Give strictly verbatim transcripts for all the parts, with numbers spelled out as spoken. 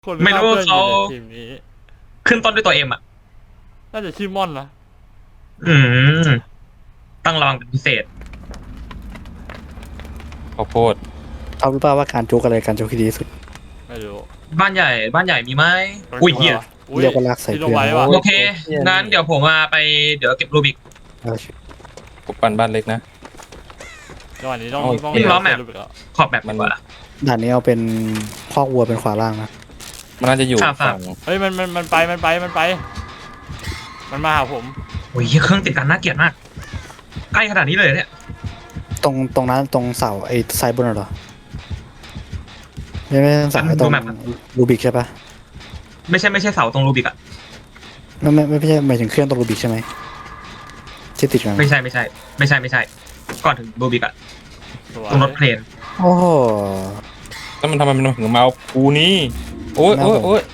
คนไม่รู้เขาทีมนี้ขึ้นต้นด้วยตัวเอ็มอ่ะน่าจะชื่อม่อนนะอืมต้องระวังเป็นพิเศษข้าวโพดเอารู้ป่าวว่าการจุกอะไรการจุกที่ดีที่สุดไม่รู้บ้านใหญ่บ้านใหญ่มีไหมอุ้ยเหี้ยเรียกว่าลากใส่ที่ลเกงลือไว้ว่ะโอเคงั้นเดี๋ยวผมมาไปเดี๋ยวเก็บรูบิกเอาชิผมปั่นบ้านเล็กนะจังหวะนี้ต้องโอเคต้องวิ่งล้อแมพรูปอีกแล้วขอบแบบดีกว่าด่านนี้เอาเป็นคอกวัวเป็นขวาล่างนะมันน่าจะอยู่ครับฝั่งเฮ้ยมันมันมันไปมันไปมันไป มันมาหาผมโอ้ยเหี้ยเครื่องติดกันน่าเกลียดมากใกล้ขนาดนี้เลยเนี่ยตรงตรงนั้นตรงเสาไอ้ซ้ายบนน่ะเหรอไม่ไม่เสาไอ้ตรงรูบิกใช่ปะไม่ใช่ไม่ใช่เสาตรงรูบิกอ่ะไม่ไม่ไม่ใช่หมายถึงเครื่องตรงรูบิกใช่ไหมที่ติดกันไม่ใช่ไม่ใช่ ไม่ใช่ไม่ใช่ ก่อนถึงรูบิกอ่ะสวยตรงรถเพลนโอ้โหแล้วมันทำไมมันถึงมาเอากูนี่โอ้ยโอ้ยโอ้ย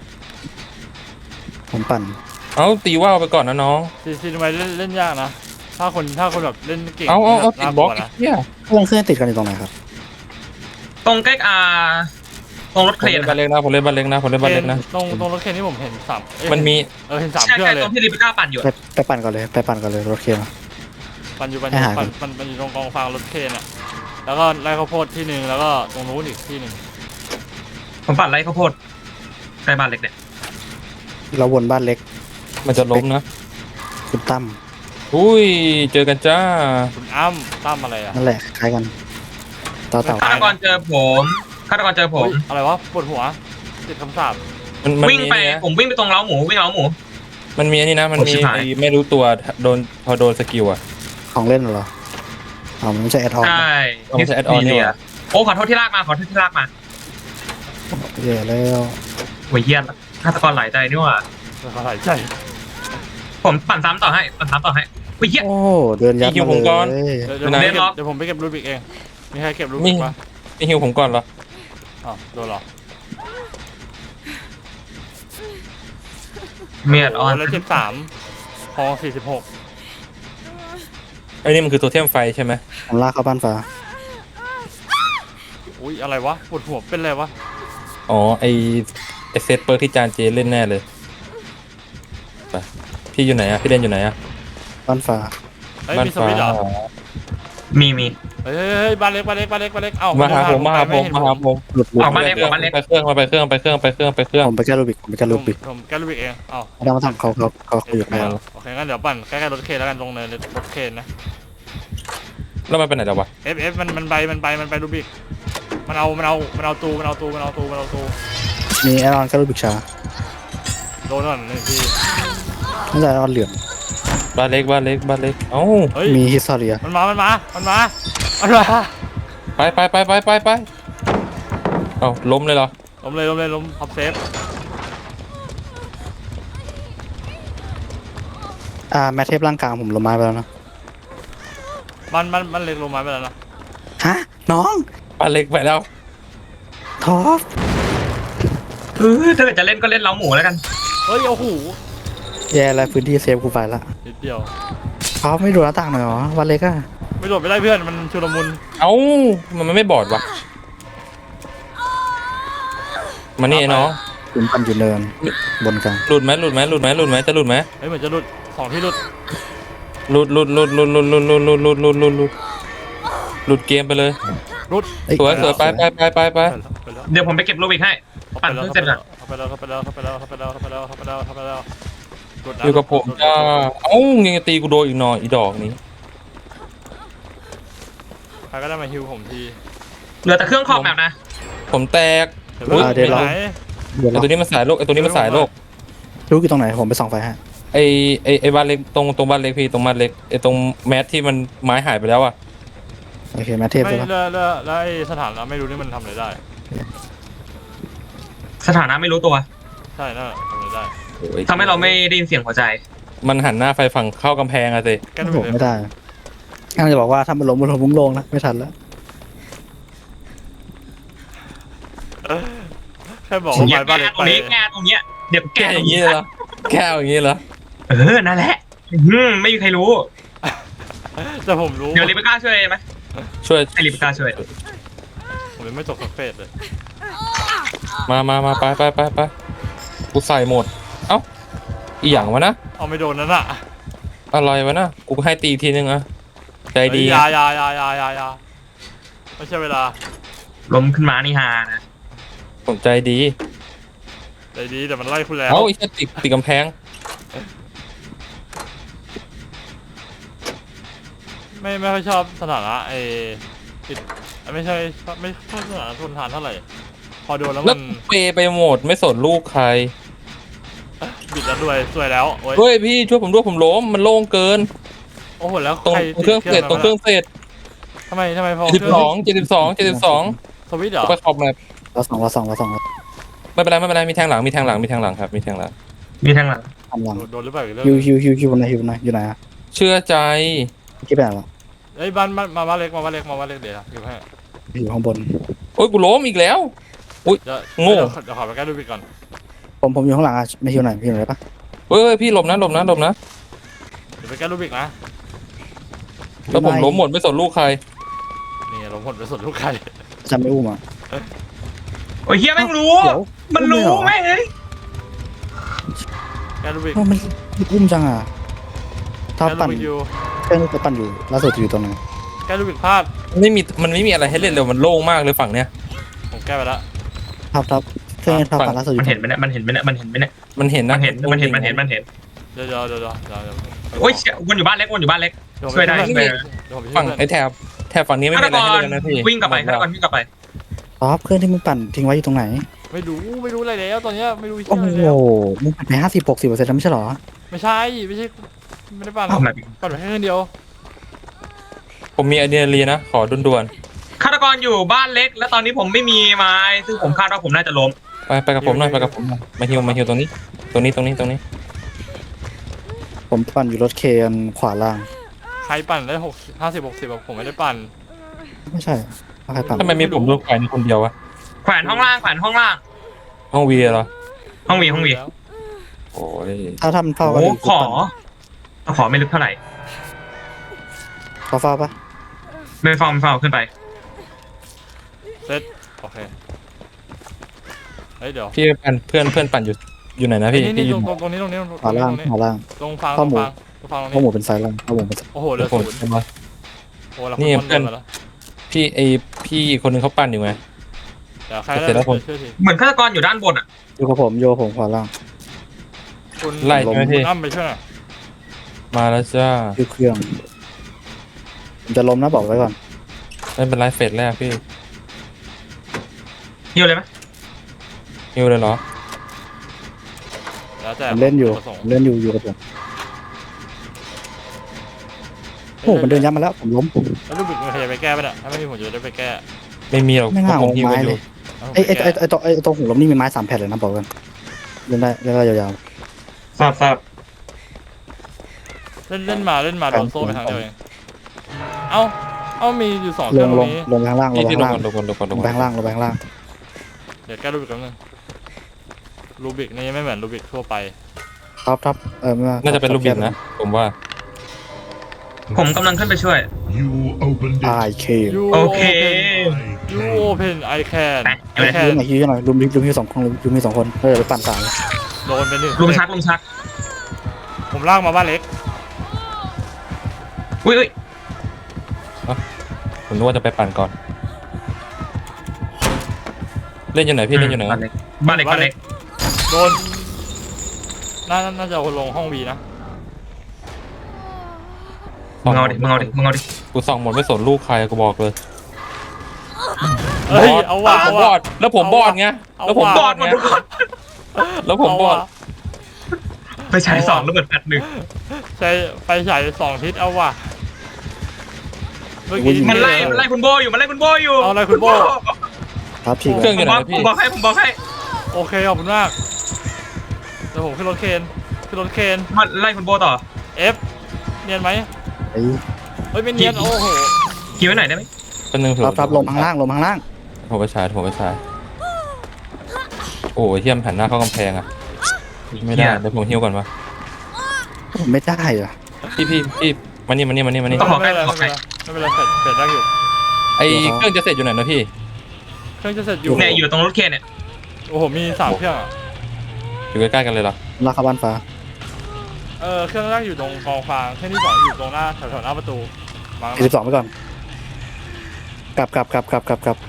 ผมปั่นเอาตีว่าวไปก่อนนะน้องซีซีทำไมเล่นเล่นยากนะถ้าคนถ้าคนแบบเล่นเก่งเอาเอาเอาติดน่บล็อกลัวไอ้นะเหี้ยเครื่องเครื่องติดกันอยู่ตรงไหนครับตรงใกล้อ่าตรงรถผเคมรนเล่นอะบ้านเล็กนะผมเล่นบ้านเล็กนะผมเล่นบ้านเล็กนะตรงตรงรถเคนที่ผมเห็นสามเอ้ยมันมีเออเห็นสามใช่เครื่อใช่งเลยตรงที่ลิบิก้าปั่นอยู่ไปไปปั่นก่อนเลยไปปั่นก่อนเลยรถเคมาปันอยู่ปันอให้ยู่หาก่ปัอน นมันมันอยู่ตรงกองฟางรถเคนอ่ะแล้วก็ไร่ข้าวโพดที่หนึ่งแล้วก็ตรงนู้นอีกที่หนึ่งผมปั่นไล่ข้าวโพดใกล้บ้านเล็กเนี่ยเราวนบ้านเล็กมันจะล้มนะคุณตั้มอุ้ยเจอกันจ้าคุณอ้ำตั้มอะไรอ่ะนั่นแหละคล้ายกันต่อเต่าฆาตกรเจอผมฆาตกรเจอผมเฮ้ยอะไรวะปวดหัวติดคำสาปมันมันวิ่งมีไปนี่นะผมวิ่งไปตรงเล้าหมูวิ่งเล้าหมูมันมีอันนี้นะมันโอ้มีชิบหายไอ้ไม่รู้ตัวโดนพอโดนสกิลอ่ะของเล่นเหรออ๋อมันไม่ใช่แอดออนใช่เอาไม่ใช่ add-on นี่หว่าโอ้ขอโทษที่ลากมาขอโทษที่ลากมาแย่แล้วโอ้ยเยี่ยนฆาตกรหลายใจนี่หว่าหายใจผมปั่นซ้ำต่อให้ปั่นซ้ำต่อให้โอ้ยเยี่ยนโอ้เดินยัดมาเลยเดี๋ยวเดี๋ยวผมเล่ไปนเก็ล็บอก เดี๋ยวผมไปเก็บรูบิกเองมีใครเก็บรูบิกปะไม่ฮิวผมก่อนเหรออ๋อโดนเหรอเมียดออนแล้วเจ็บสามพอสี่สิบหกไอ้นี่มันคือโทเทมไฟใช่ไหมผมลากเข้าบ้านฟ้าอุ้ยอะไรวะปวดหัวเป็นอะไรวะอ๋อไอไอเซตเปิร์กที่จานเจเล่นแน่เลยไปพี่อยู่ไหนอะพี่เล่นอยู่ไหนอะบ้านฟ้าเฮ้ยมีสวิตช์เหรอมีมีเฮ้ยเฮ้ยเฮ้ยบ้านเล็กบ้านเล็กบ้านเล็กบ้านเล็กเอ้ามาหาผมมาหาผมมาหาผมหลุดหลุดออกบ้านเล็กออกบ้านเล็กไปเครื่องมาไปเครื่องไปเครื่องไปเครื่องไปเครื่องผมไปแก้รูบิกผมไปแก้ผรูมบิกผมแก้รูบิกเองเอ้าไม่ต้องมาทำเขาเขาเขาคุยกับไม่แม่เอาโอเคงั้นเดี๋ยวปั่นใกล้ๆรถเคนแล้วกันตรงเนินรถเคนนะแล้วมันไปไหนแล้ววะเอฟเอฟมันมันไปมันไปมันไปรูบิกมันเอามันเอามันเอาตูมันเอาตูมันเอาตูมันเอาตูมีแอดออนแก้รูบิกช้าโดนก่อนหนึ่งทีไม่ใช่แอดออนเหลืองบ้านเล็กบ้านเล็กบ้านเล็กเอ้าเฮ้ยมีฮิสตอเรียมันมามันมามันมามันมาไปไปไปไปไปไปเอ้าล้มเลยเหรอล้มเลยล้มเลยล้มพับเซฟอ่าแมทเทปร่างกลางผมลงไม้ไปแล้วนะมันมันมันเล็กลงมาไปแล้วนะฮะน้องบ้านเล็กไปแล้วท็อปเออถ้าเกิดจะเล่นก็เล่นเล้าหมูแล้วกันเฮ้ยโอ้โหแย่แล้วพื้นที่เซฟกูไปละนิดเดียวท็อปไม่ดูหน้าต่างหน่อยเหรอวันเล็กอะไม่โดดไม่ได้เพื่อนมันชุลมุนเอ้ามันมันไม่บอดวะมานี่ไอ้น้องผมปั่นอยู่เนินบนกลางหลุดไหมหลุดไหมหลุดไหมหลุดไหมจะหลุดไหมเฮ้ยเหมือนจะหลุดสองที่หลุดหลุดหลุดหลุดหลุดหลุดหลุดหลุดหลุดหลุดหลุดหลุดหลุดหลุดเกมไปเลยหลุดเอ้สวยสวยไปไปไปไปไปไปแล้วเดี๋ยวผมไปเก็บรูบิกให้ไปปั่นแล้วเพิ่งเสร็จก่อนเข้าไปแล้วเข้าไปแล้วเข้าไปแล้วเข้าไปแล้วเข้าไปแล้วเข้าไปแล้วเข้าไปแล้วหลุดนะอยู่กับผมหลุดจ้าเอ้ายังจะตีกูโดนอีกหน่อยอีดอกนี้ใครก็ได้มาฮิวผมทีเหลือแต่เครื่องขอบแบบนะผมแตกเดี๋ยวไปไหนเดี๋ยวไอเราตัวนี้มันสายโลกไอตัวนี้มันสายโลกรู้อยู่ตรงไหนผมไปส่องไฟฮะไอไอไอบ้านเล็กตรงตรงบ้านเล็กพี่ตรงบ้านเล็กไอตรงแมสที่มันไม้หายไปแล้วอะโอเคแมทเทปไม่ใช่ปะแล้วแล้วแล้วไอ้สถานะไม่รู้นี่มันทำอะไรได้สถานะไม่รู้ตัวใช่น่าทำอะไรได้โอ้ยทำให้เราไม่ได้ยินเสียงหัวใจมันหันหน้าไฟฝั่งเข้ากำแพงอะสิแก้ผมไม่ได้กำลังจะบอกว่าถ้ามันล้มมันล้มมุ้งลงนะไม่ทันแล้วแค่บอกผมว่าอยาไปกบ้านแก้เล็กตรงไปนี้แก้ตรงเนี้ยเดี๋ยวแก้แก้อย่างนี้เหรอแก้อย่างนี้เหรอเออนั่นแหละอืมไม่มีใครรู้แต่ผมรู้เดี๋ยวลิเบก้าช่วยไหมช่วยให้ลิเบก้าช่วยผมยังไม่ตกสักเฟสเลยมามามาไปไปไปไปกูใส่หมดเอ้าอีหยังวะนะเอาไม่โดนนั่นอะอะไรวะนะกูให้ตีอีกทีนึงอะใจดียายายายายายาไม่ใช่เวลาล้มขึ้นมานี่ฮานะสนใจดีใจดีแต่มันไล่คุณแล้วเอ้าไอ้เหี้ยติดติดกำแพงไม่ไม่ค่อยชอบสถานะไอ้ติดไม่ใช่ไม่ชอบสถานะทนทานเท่าไหร่พอโดนแล้วแล้มัวน เปย์ไปหมดไม่สนลูกใครบิดแล้วด้วยสวยแล้วโอ้ยเฮ้ยพี่ช่วยผมด้วยผมล้มมันโล่งเกินโอ้โหแล้วตรงใครเครื่องเสร็จตรงเครื่องเสร็จทำไมทำไมพอเจ็ดสิบสองเจ็ดสิบสองเจ็ดสิบสองสวิตช์เหรอไปขอบแมปเราสองเราสองเราสองไม่เป็นไรไม่เป็นไรมีแทงหลังมีแทงหลังมีแทงหลังครับมีแทงหลังมีทางหลังทำหลังโดนโดนหรือเปล่าอีกเรื่องฮิวฮิวฮิวฮิวไหนฮิวไหนอยู่ไหนอะเชื่อใจที่ไปไหนวะเอ้ยบ้านบ้านมาบ้านเล็กมาบ้านเล็กมาบ้านเล็กเดี๋ยวอยู่ให้อยู่ข้างบนโอ้ยกูล้มอีกแล้วเดี๋ยวโง่เดี๋ยวเดี๋ยวขอไปแก้ดูบิดก่อนผมผมอยู่ข้างหลังอะไม่ฮิวไหนฮิวไหนได้ปะเฮ้ยพี่หลบนะหลบนะหลบนะเดี๋ยวไปแก้ดูบิดนะแล้วผมล้มหมดไม่สนลูกใครนี่ลงผลไปสุดลูกใครจำไม่อุ้มอ่ะโอ้ยเฮียแม่งรู้เดี๋ยวมันรู้แม่งเอ้ยแก้ดูบิดเอ้ามันอุ้มจังอ่ะถ้าแก้ดูปั่นบิดอยู่เครื่องจะปั่นอยู่ล่าสุดอยู่ตรงไหนแก้ดูบิดพลาดไม่มีมันไม่มีอะไรให้เล่นเลยมันโล่งมากเลยฝั่งเนี้ยผมแก้ไปแล้วทับทับเครื่องทับปั่นล่าสุดอมันยู่เห็นไหมเนี่ยมันเห็นไหมเนี่ยมันเห็นไหมเนี่ยมันเห็นมันะนเห็นมันเห็นมันเห็นมันเห็นเดี๋ยวเดี๋ยวเดี๋ยวเดี๋ยวเดี๋ยวเดี๋ยวโอ้ยเชี่ยวนอยู่บ้านเล็กวนอยู่บ้านเล็ก ช่วยได้ช่วยได้เดี๋ยวผมไปช่ฝั่วยงเพื่อนไอ้แถบแถบฝั่งนี้ไม่ฆามีตอะไรกให้รเล่นนะพี่วิ่งกลับไปฆาตกรวิ่งกลับไปทับเครื่องที่มึงปั่นทิ้งไว้อยู่ตรงไหนไม่รู้ไม่รู้อะไรแล้วตอนเนี้ยไม่รู้โอ้ที่โหอะไรแล้วมึงปั่นไปห้าสิบหกสิบเปอร์เซ็นต์แล้วไม่ใช่เหรอไม่ใช่ไม่ใช่ไม่ได้ปั่นทำอะไรปั่นไปแค่คนเดียวผมมีไอเดียเรียนะขอด่วนฆาตกรอยู่บ้านเล็ก แล้วตอนนี้ผมไม่มีไม้ซึ่งผมคาดว่าผมน่าจะล้มๆไปไปกับผมหน่อยไปกับผมหน่อยมาฮิวมาฮิวตรงนี้ ตรงนี้ตรงนี้ตรงนี้ผมปั่นอยู่รถเคนขวาล่างใครปั่นได้หกห้าสิบหกสิบผมไม่ได้ปั่นไม่ใช่ใครปั่นทำไมมีผมโดนแขวนอยู่คนเดียววะแขวนห้องล่างแขวนห้องล่างห้องวีเหรอห้องวีห้องวีโอ้ยถ้าทำเท่ากันโอ้ขอขอไม่ลึกเท่าไหร่ขอฟ้าปะไม่ฟองไม่ฟองขึ้นไปเซ็ตโอเคเฮ้ยเดี๋ยวพี่ปั่นเพื่อนเพื่อนปั่นอยู่อยู่ไหนนะพี่นี่พี่นี่อยู่ตรงตรงนี้ตรงนี้ตรงขวานี้ล่างตรงนี้ขวาล่างตรงฟังตข้รอง มูลฟังตรงฟังตรงข้อหมูนี้เป็นซ้ายล่างข้อหมูเป็นซ้ายโอ้โหเหลือผมศูนย์ผมมาโอ้โหเรานี่คนเพื่อนเดินมาแล้วพี่ไอพี่คนหนึงเขาปั่นอยู่ไงเดี๋ยวใครเสร็จแล้วผมช่วยทีเหมือนฆาตกรอยู่ด้านบนอ่ะอยู่กับผมโยผมขวาล่างคุณไล่ใช่ไหมพี่คุณอ้ำไปช่วยหน่อยมาแล้วจ้าอยู่เครื่องผมจะล้มนะบอกไว้ก่อนไม่เป็นไรเฟสแรกพี่หิวเลยไหมฮิวเลยเหรอแล้วแต่ผมเล่นอยู่ประสงค์ผมเล่นอยู่อยู่กับผมโอ้โหมันเดินยับมาแล้วผมล้มแล้วลูกบิดมันขยับไปแก้ไปะเนี่ยถ้าไม่มีผมจะได้ไปแก้ไม่มีหรอกไม่น่าเพราะผมฮิวเอาไม้กันอเลยู่ย ไอ้ไอ้ไอ้ไอ้ตัวไอ้ตัวหูล้มนี่มีไม้สามแผ่นเลยนะบอกกันเล่นได้เล่นได้ยาวทราบทราบเล่นเล่นมาเล่นมาโดนโซ่ไปทางเดียวเองเอ้าเอ้ามีอยู่สองๆเคลรื่องงตลรง งนี้ลงไปข้างล่างลงพี่ไปพี่ข้างลงล่างก่อนลงก่อนลงก่อนลลงงไปก่อนข้างล่างลงไปข้างล่างเดี๋ยวแก้ลูกบิดกันนึงลูกบิดนี่ไม่เหมือนลูกบิดทั่วไปท็อปท็อปเออไม่ว่น่าจะเป็นลูกบิดนะ ผมว่าผมกำลังขึ้นไปช่วย You opened ไอ it. เค You โอเค open You open I can ไป I ฮิว can หน่อยฮิวหน่อยลุมลุมฮิวสองคนลุมฮิวสองคนเออไปปั่นสามโดนไปหนึ่งลุมชักลุมชักผมลากมาบ้านเล็กอุ้ยอุ้ยผมนึกว่าจะไปปั่นก่อน เล่นอยู่ไหนพี่เล่นอยู่ไหนบ้านเล็กบ้านเล็กบ้านเล็กโดนน่าน่าจะเอาลงห้องวีนะมึงเอาดิมึงเอาดิมึงเอาดิกูส่องหมดไม่สนลูกใครกูบอกเลยเฮ้ยเอาว่ะผเอามบว่ะอดแล้วผมบอดไงเอาแล้วผมว่ะบอดไงแล้วผมบอดเาว่ะไปใช้สองแล้วเบิดแปดหนึ่งใช้ไฟฉายสองทิศเอาว่ะเมื่อกี้มันไล่มันไล่คุณโบอยู่มันไล่คุณโบอยู่เอาอะไรคุณโบครับฉีกเครื่องอผยู่มไหนบอกนะผพี่มบอกให้ผมบอกให้โอเคขอบคุณมากเดี๋ยวผมขึ้นรถเคนขึ้นรถเคนมันไล่คุณโบต่อ F เนียนไหมไอ้เฮ้ยไม่เนียนโอ้โหคิวไว้หน่อยได้ไหมเป็นหนึ่งท็อปท็อปลงข้างล่างลงข้างล่างผมไปฉายผมไปฉายโอ้ยเทียมหันหน้าเข้ากำแพงอ่ะไม่ได้เดี๋ยวผมหิ้วก่อนวะผมไม่ได้อะพี่พี่พี่มานี่มานี่มานี่มานี่ไม่เป็นไรไม่เป็นไรไม่เป็นไรเสร็จเสร็จได้อยู่ไอเครื่องจะเสร็จอยู่ไหนนะพี่เครื่องจะเสร็จอยู่เนี่ยอยู่ตรงรถเคนเนี่ยโอ้โหมีสามเครื่องอะอยู่ใกล้ๆกันเลยเหรอลากเข้าบ้านฟ้าเออเครื่องแรกอยู่ตรงกองฟางเครื่องที่สองอยู่ตรงหน้าแถวๆหน้าประตูวางสี่สิบสองไปก่อนกลับกลับกลับกลับกลับกลับ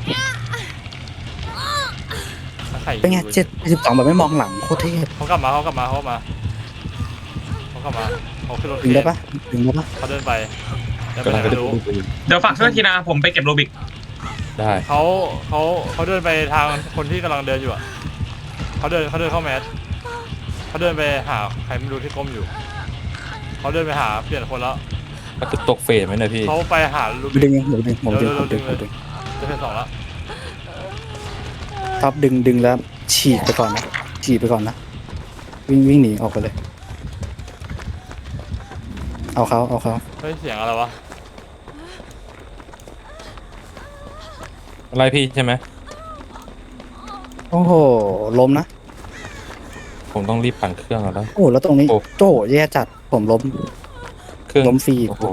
ไข่เป็นไงเจ็ดสิบสองแบบไม่มองหลังโคตรเทพเขากลับมาเขากลับมาเขากลับมาเขากลับมาเขาขึ้นรถดึงได้ปะดึงได้ปะเขาเดินไปเดินไปกำไหลันงไปไม่ดูรู้เดี๋ยวฝากช่วยทีนะผมไปเก็บโรบิกได้เขาเขาเขาเดินไปทางคนที่กำลังเดินอยู่อ่ะเขาเดินเขาเดินเข้าแมสเขาเดินไปหาใครไม่รู้ที่ก้มอยู่เขาเดินไปหาเปลี่ยนคนแล้วก็คือตกเฟสไหมเนี่ยพี่เขาไปหาลูกดึงผมดึงผมดึงผมดึงผมดึงจะเป็นสองแล้วท็อปดึงดึงแล้วฉีกไปก่อนนะฉีกไปก่อนนะวิ่งวิ่งหนีออกไปเลย เอาเขาเอาเขาเฮ้ยเสียงอะไรวะอะไรพี่ใช่ไหมโอ้โหล้มนะผมต้องรีบปั่นเครื่องแล้วโอ้แล้วตรงนี้โอ้โจ้แย่จัดผมล้มเครื่องล้มฟรีอีกโอ้โห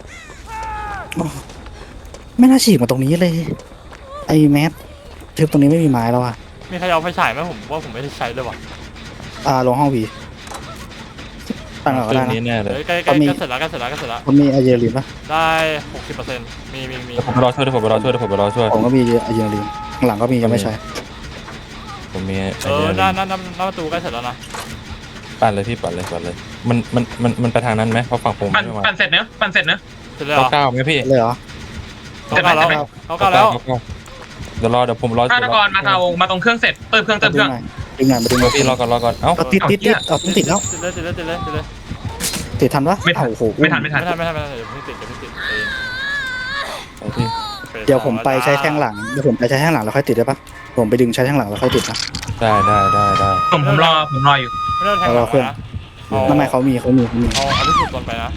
ไม่น่าฉีกมาตรงนี้เลย ไอ้แมสทึบตรงนี้ไม่มีไม้แล้วอ่ะมีใครเอาไฟฉายไหมผมว่าผมไม่ได้ใช้เลยว่ะอ่าลงห้องวีตั้งเอาเคก็รื่อได้งนะนี้แน่เลยเฮ้ยใกล้ใกล้เขามีใกล้เสร็จแล้วใกล้เสร็จแล้วใกล้เสร็จแล้วผมมีอะเยลินปะได้หกสิบเปอร์เซ็นต์มีมีมีเดี๋ยวผมไปรอช่วยเดี๋ยวผมไปรอช่วยเดี๋ยวผมไปรอช่วยผมก็มีอะเยลินข้างหลังก็มียังไม่ใช้ผมมีเออหน้าหน้าหน้าหน้าประตูใกล้เสร็จแล้วนะปั่นเลยพี่ปั่นเลยปั่นเลย มันมันมันมันไปทางนั้นไหมเพราะฝั่งผมปั่นไม่มาปั่นเสร็จเนอะปั่นเสร็จเนอะเสร็จแล้วเหรเก้าอเก้าไหมพี่เลยเหรอเขาเก้าแล้วเสร็จไหมเขาเก้าแล้วเก้าเก้าเดี๋ยวรอเดี๋ยวผมรอฆาตกรมาเอามาตรงเครื่องเสร็จเติมเครื่องเติมเคดึรื่อง งหน่อยดึงหน่อยมาดึงหเดี๋น่ยอวย พี่รอก่อนรอก่อนเอ้าเอาติดติดติดเอาต้องติดแล้วติดเลยติดเลยติดเลยติดเลยติดทันปะไม่ทันเอ้าโอ้โหไม่ทันไม่ทัไม่นทันไม่ทันไม่ทันเดี๋ยวเพิ่งติดเดี๋ยวเพิ่งติดเองเอาพี่เดี๋ยวผมไปใช้แท่งหลังเดี๋ยวผมไปใช้แท่งหลังแล้วค่อยติดได้ปะผมไปดึงใช้แท่งหลังแล้วค่อยติดนะได้ได้ได้ได้ผมผมรอผมรออยู่ไม่ได้แทงหลังนะเอาทำไมเขามีเขามีเขามีเอาเอาที่สุดก่อนไปนะ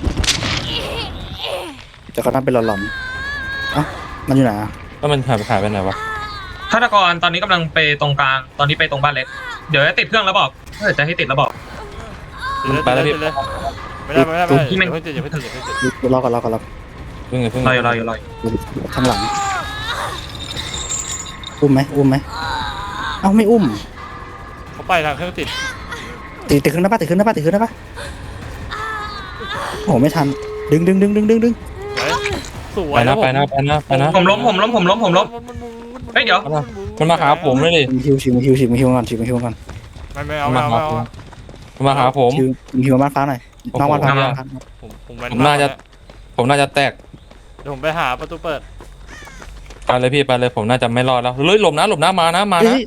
แต่เขาทำเป็นหลอนๆเอ้ามันอยู่ไหนอะแล้วมันหายไปหายไปไหนวะฆาตกรตอนนี้กำลังไปตรงกลางตอนนี้ไปตรงบ้านเล็กเดี๋ยวจะติดเครื่องแล้วบอกถ้าเกิดจะให้ติดแล้วบอกติดเลยติดเลยติดเลยไม่ได้ไม่ได้ไม่ได้อย่าเพิ่งติดอย่าเพิ่งติดอย่าเพิ่งติดรอก่อนรอก่อนรอเพิ่งเพิ่งรออยู่รออยู่รออยู่ข้างหลังอุ้มไหมอุ้มไหมเอ้าไม่อุ้มเขาไปทางเครื่องติดติดติดขึ้นได้ปะติดขึ้นได้ปะติดขึ้นได้ปะโอ้โหไม่ทันดึงดึงดึงดึงดึงดึงสวไปยนะไปนะไปนะไปนะผมล้มผมล้มผมล้มผมล้ม เฮ้ยเดี๋ยวมันมาหาผมเลยดิชิมฮิวชิมฮิวชิมฮิวก่อนชิมฮิวก่อนไม่ไม่เอาไม่เอาไม่เอามันมาหาผมชิมฮิวบ้านฟ้าหน่อยน้องบ้านฟ้าโอ้โหบ้านฟ้าผมผมแว้นผมน่าจะ ผมน่าจะแตกเดี๋ยวผมไปหาประตูเปิดไปเลยพี่ไปเลยผมน่าจะไม่รอดแล้วเฮ้ยหลบนะหลบนะมานะมานะเฮ้ย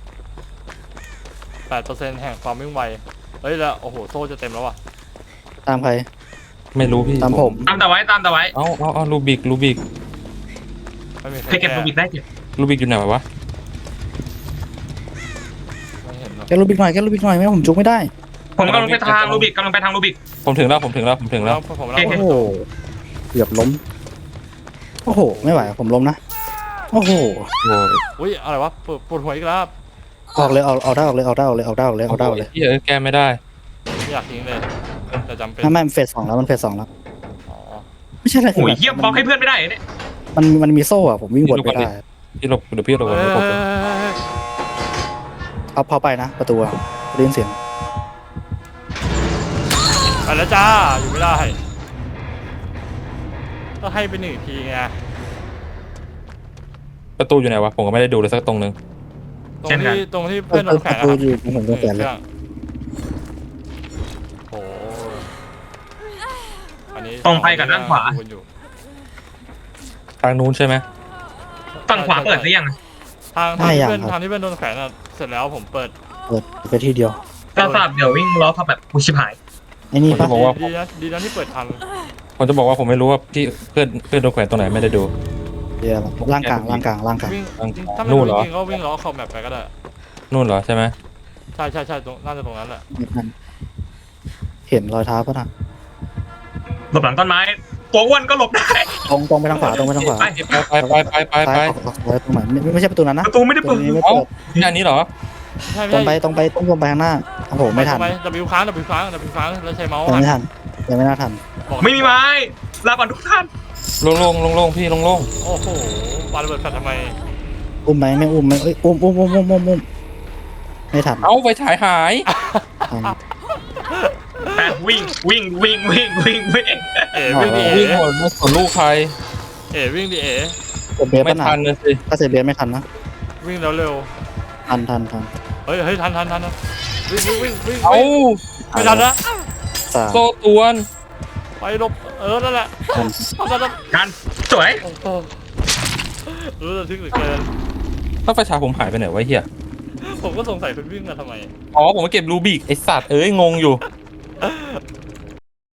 แปดเปอร์เซ็นต์แห่งความวิ่งไวเฮ้ยแล้วโอ้โหโซ่จะเต็มแล้วว่ะตามใครไม่รู้พี่ตามผมตามแต่ไว้ตามแต่ไว้เอาเอาเอาลูบิกลูบิกไม่มีใครใครเก็บโรบิกได้เก็บลูบิกอยู่ไหนวะไม่เห็นหรอกแกลูบิกหน่อยแกลูบิกหน่อยไม่งั้นผมจุกไม่ได้ผมกำลังไปทางโรบิกกำลังไปทางโรบิกผมถึงแล้วผมถึงแล้วผมถึงแล้วผมโอแล้วเคโอ้โหเกือบล้มโอ้โหไม่ไหวผมล้มนะโอ้โหโอ้ยอุ้ยอะไรวะปวดปวดหัวอีกแล้วออกเลยเอาเอาได้ออกเลยเอาได้ออกเลยเอาได้ออกเลยเอาได้ออกเลยเฮ้ยแก้ไม่ได้ไม่อยากทิ้งเลยแต่จำเป็นไม่ไม่มันเฟสสองแล้วมันเฟสสองแล้วอ๋อไม่ใช่อะไรโอ้ยเยี่ยมบล็อกให้เพื่อนไม่ได้เนี่ยมันมันมีโซ่อะผมวิ่งวนไม่ได้พี่หลบเดี๋ยวพี่หลบเฮ้ยผมเอาพอไปนะประตูอะได้ยินเสียงไปแล้วจ้าอยู่ไม่ได้ก็ให้ไปหนึ่งทีไงประตูอยู่ไหนวะผมก็ไม่ได้ดูเลยสักตรงนึงตรงที่ตรงที่เพื่อนโดนแขปนระนะตูครับอยู่ตรงผมตรงแขนเลยโอ้อันนี้ตรงไปกับด้านขวาอยู่ทางนู้นใช่ไหมฝั่งขวาเปิดหรือยังทางทางที่เพื่อนทางที่เพื่อนโดนแขนอ่ะเสร็จแล้วผมเปิดเปิดไปที่เดียวก็สลับเดี๋ยววิ่งล้อพับแบบอุยชิบหายไอ้นี่ปะบอกว่าดีนะดีนะที่เปิดทันผมจะบอกว่าผมไม่รู้ว่าพี่เพื่อนเพื่อนโดนแขวนตรงไหนไม่ได้ดูเดียวล่างกลางล่างกลางล่างกลางวิ่งทางถ้าไม่นู่รู้นเหรอจริงๆก็วิ่งล้อขอบแมปไปก็ได้นู่นเหรอใช่ไหมใช่ใช่ใช่ตรงน่าจะตรงนั้นแหละเห็นรอยเท้าปะนะหลบหลังต้นไม้ตัวอ้วนก็หลบได้ตรงตรงไปทางขวาตรงไปทางขวาไปไปไปไปไปไปซ้ายไปออกออกซ้ายตรงไหนไม่ไม่ใช่ประตูนั้นนะประตูไม่ได้ประเปิตูดนี้ไม่เอ้าเปิดที่อันนี้เหรอใช่ตรงไม่ไปใช่ตรงไปตรงตรงไปข้างหน้าโอ้โหไม่ทันไป W ค้าง W ค้าง W ค้างแล้วใช้เมาส์ยังหันไม่ทันยังไม่น่าทันบอกไม่มีไม้ลาก่อนทุกท่านลงลงลงลงพี่ลงลงโอ้โหปาระเบิดแฟลชทำไมอุ้มไหมไม่อุ้มไหมเอ้ยอุ้มอุ้มอุ้มอุ้มอุ้มอุ้มไม่ทันเอาไฟฉายหายทันแปดวิ่งวิ่งวิ่งวิ่งวิ่งวิ่งเอ๋วิ่งดิวิ่งเอ๋หมดไม่สนลูกใครเอ๋วิ่งดิเอ๋เซเบสไม่ปะนะทันเลยสิถ้าเซเบสไม่ทันนะวิ่งแล้วเร็วทันทันทันเฮ้ยเฮ้ยทันทันทันทันวิ่งวิ่งวิ่งวิ่งเอาไม่ทันนะสามโซตวนไปหลบเออนั่นแหละทันทันทันทันกันสวยโอ้โหรู้ระทึกเหลือเกินถ้าไฟฉายผมหายไปไหนวะเฮียผมก็สงสัยคุณวิ่งมาทำไมอ๋อผมมาเก็บรูบิกไอสัตว์เอ้ยงงอยู่